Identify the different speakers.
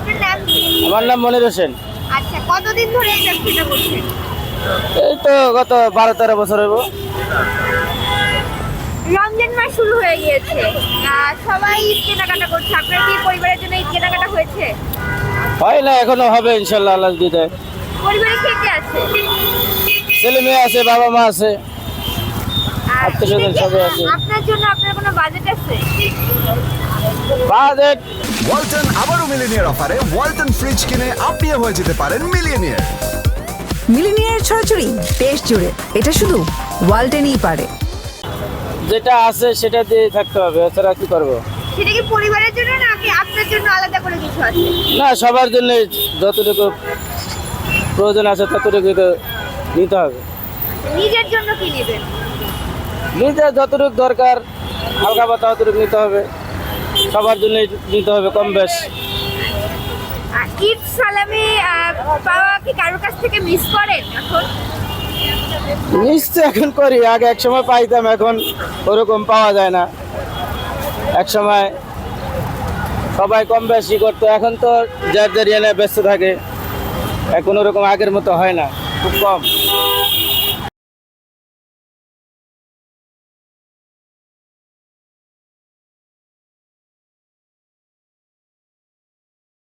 Speaker 1: আপনার নাম কি?
Speaker 2: আমার নাম মনির হোসেন।
Speaker 1: আচ্ছা, কতদিন ধরে এই ব্যবসাটা করছেন?
Speaker 2: এই তো গত 12-13 বছর হইব।
Speaker 1: রমজান মাস শুরু হয়ে গিয়েছে, সবাই ঈদ কেনাকাটা করছে। আপনার কি পরিবারের জন্য ঈদ কেনাকাটা হয়েছে?
Speaker 2: হয় না, এখনো হবে ইনশাল্লাহ, আল্লাহ যদি দেয়।
Speaker 1: পরিবারে কে কে আছে?
Speaker 2: ছেলে মেয়ে আছে, বাবা মা আছে,
Speaker 1: আর
Speaker 2: আত্মীয়স্বজন সবাই আছে।
Speaker 1: আপনার জন্য আপনার কোনো বাজেট আছে?
Speaker 2: বাজেট
Speaker 3: ওয়ালটন আবারও মিলিনিয়ার অফারে ওয়ালটন ফ্রিজ কিনে আপনিও হয়ে যেতে পারেন মিলিয়নিয়ার।
Speaker 4: মিলিনিয়ার ছড়াছড়ি দেশ জুড়ে, এটা শুধু ওয়ালটেনই পারে।
Speaker 2: যেটা আছে সেটা দিয়ে থাকতে হবে, এছাড়া কি করবো?
Speaker 1: সেটা কি পরিবারের জন্য নাকি আপনার জন্য আলাদা করে কিছু আছে?
Speaker 2: না, সবার জন্য যতটুকু প্রয়োজন আছে ততটুকু তো নিতে হবে।
Speaker 1: নিজের জন্য কি নেবেন?
Speaker 2: নিতে যতটুকু দরকার হালকা পাতা ততটুকু নিতে হবে, সবার জন্য নিতে হবে কম বেশ।
Speaker 1: ঈদ সালামি পাওয়া কি কারোর কাছ থেকে মিস করেন এখন?
Speaker 2: নিশ্চয় এখন করি, আগে এক সময় পাইতাম, এখন ওরকম পাওয়া যায় না। এক সময় সবাই কম বেশি করতো, এখন তো যার যার এনে ব্যস্ত থাকে, এখন ওরকম আগের মতো হয় না, খুব কম।